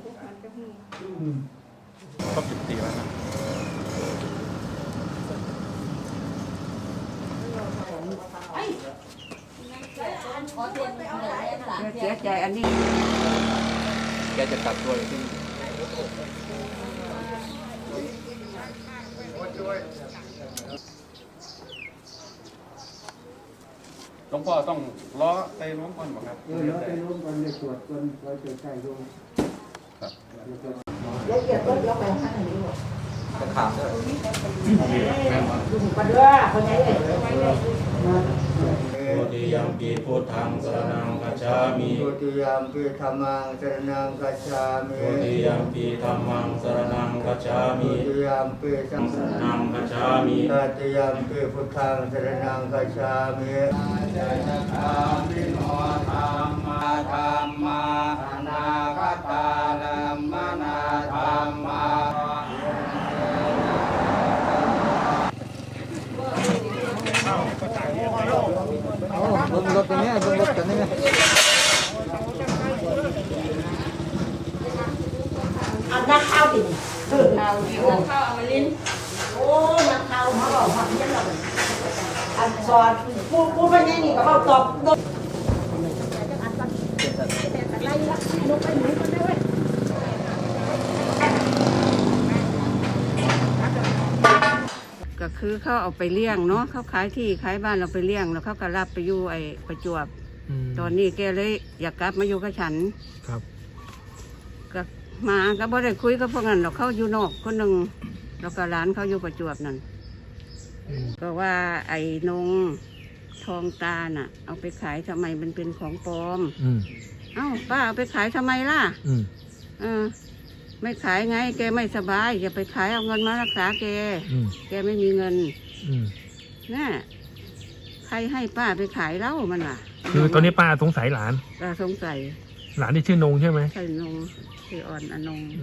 มันจะหูครบ14วันนะเสียใจอันนี้แกจะกลับตัวอยู่ที่นี่หลวงพ่อต้องล้อไปล้มก่อนบอกครับเราไปร่วมกันในสวดกันเราจะใช้โยมละเอียดก็ยกไปข้างนี้หมดจะขาดด้วยแม่มาดูปัดว่าคนไหนเลยโอติยัมปีพุทธังสรณังคัจฉามิโยติยามปิธรรมังสรณังกัจฉามิโอติยัมปีธัมมังสรณังคัจฉาโยมิติยามปิสังสรณังคัจฉามิตติยามปิพุทธังสรณังกัจฉามิจยธรรมิโนธรรมาธรรมาอนาคตาลัมมนาธรรมาเบิ้งรถตัวนี้เบิ้งรถตัวนี้อันนักข้าวดิข้าวดิข้าวเอามาลิ้นโอ้นักข้าวมาบอกว่าเนี่ยเราอันสอนพูดว่าเนี่ยนี่ก็เขาตอบก็คือเขาเอาไปเลี้ยงเนาะเขาขายที่ขายบ้านเราไปเลี้ยงแล้วเขาก็รับไปอยู่ไอ้ประจวบตอนนี้แกเลยอยากกลับมาอยู่กับฉันครับก็มาก็บ่ได้คุยกับพวกนั้นหรอกเขาอยู่นอกคนหนึ่งแล้วก็ร้านเขาอยู่ประจวบนั่นก็ว่าไอ้นงทองตาน่ะ เอาไปขายทำไมมันเป็นของปลอม เอ้าป้าเอาไปขายทำไมล่ะไม่ขายไงแกไม่สบายอย่าไปขายเอาเงินมารักษาแกแกไม่มีเงินน่ะใครให้ป้าไปขายเล่ามันล่ะคือตอนนี้ป้าสงสัยหลานก็สงสัยหลานที่ชื่อนงใช่ไหมใช่นงชื่ออ่อนอนง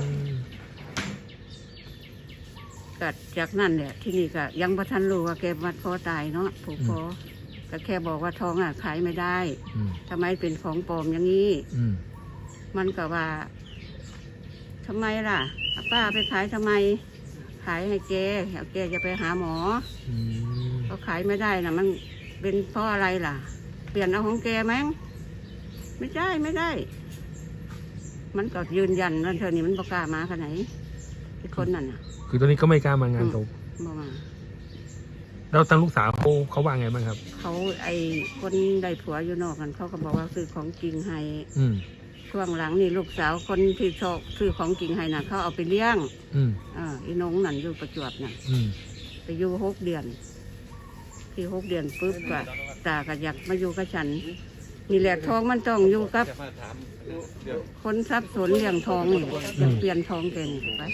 กัดจากนั่นเนี่ยที่นี่ก็ยังประทันรู้ว่าแกมัดคอตายเนาะผูกคอก็แค่บอกว่าทองอ่ะขายไม่ได้ทำไมเป็นของปลอมอย่างนี้มันก็ว่าทำไมล่ะป้าไปขายทำไมขายให้แกแกจะไปหาหมอเขาขายไม่ได้นะมันเป็นเพราะอะไรล่ะ เปลี่ยนเอาของแกมั้งไม่ได้ไม่ได้ มันก็ยืนยันว่าเธอนี่มันบอกกล้ามาขนาดไหนไอ้คนนั่นน่ะคือตอนนี้ก็ไม่กล้ามางานศพบอกมาแล้วทางลูกสาวเขาว่าไงบ้างครับเขาไอ้คนได้ผัวอยู่นอกกันเขาก็บอกว่าซื้อของจริงให้ช่วงหลังนี่ลูกสาวคนที่ชอบซื้อของจริงให้น่ะเขาเอาไปเลี้ยงอีน้องนั่นอยู่ประจวบน่ะไปอยู่6 เดือนที่6 เดือนปุ๊บก็ตาก็อยากมาอยู่กับฉันนี่แหละทองมันต้องอยู่กับคนทรัพย์สนเลี้ยงทองนี่จะเปลี่ยนทองแกนี่ไป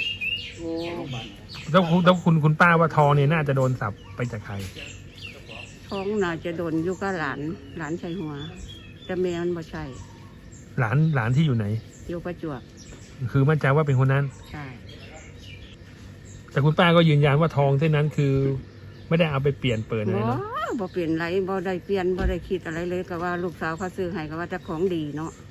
แล้วคุณป้าว่าทองเนี่ยน่าจะโดนสับไปจากใครทองน่าจะโดนอยู่กับหลานชายหัวแต่แม่มันบ่ใช่หลานที่อยู่ไหนอยู่ประจวบคือมั่นใจว่าเป็นคนนั้นใช่แต่คุณป้าก็ยืนยันว่าทองเส้นนั้นคือไม่ได้เอาไปเปลี่ยนเปิดอะไรบ่เนาะบ่เปลี่ยนไรบ่ได้เปลี่ยนบ่ได้คิดอะไรเลยก็ว่าลูกสาวเขาซื้อให้ก็ว่าจะของดีเนาะ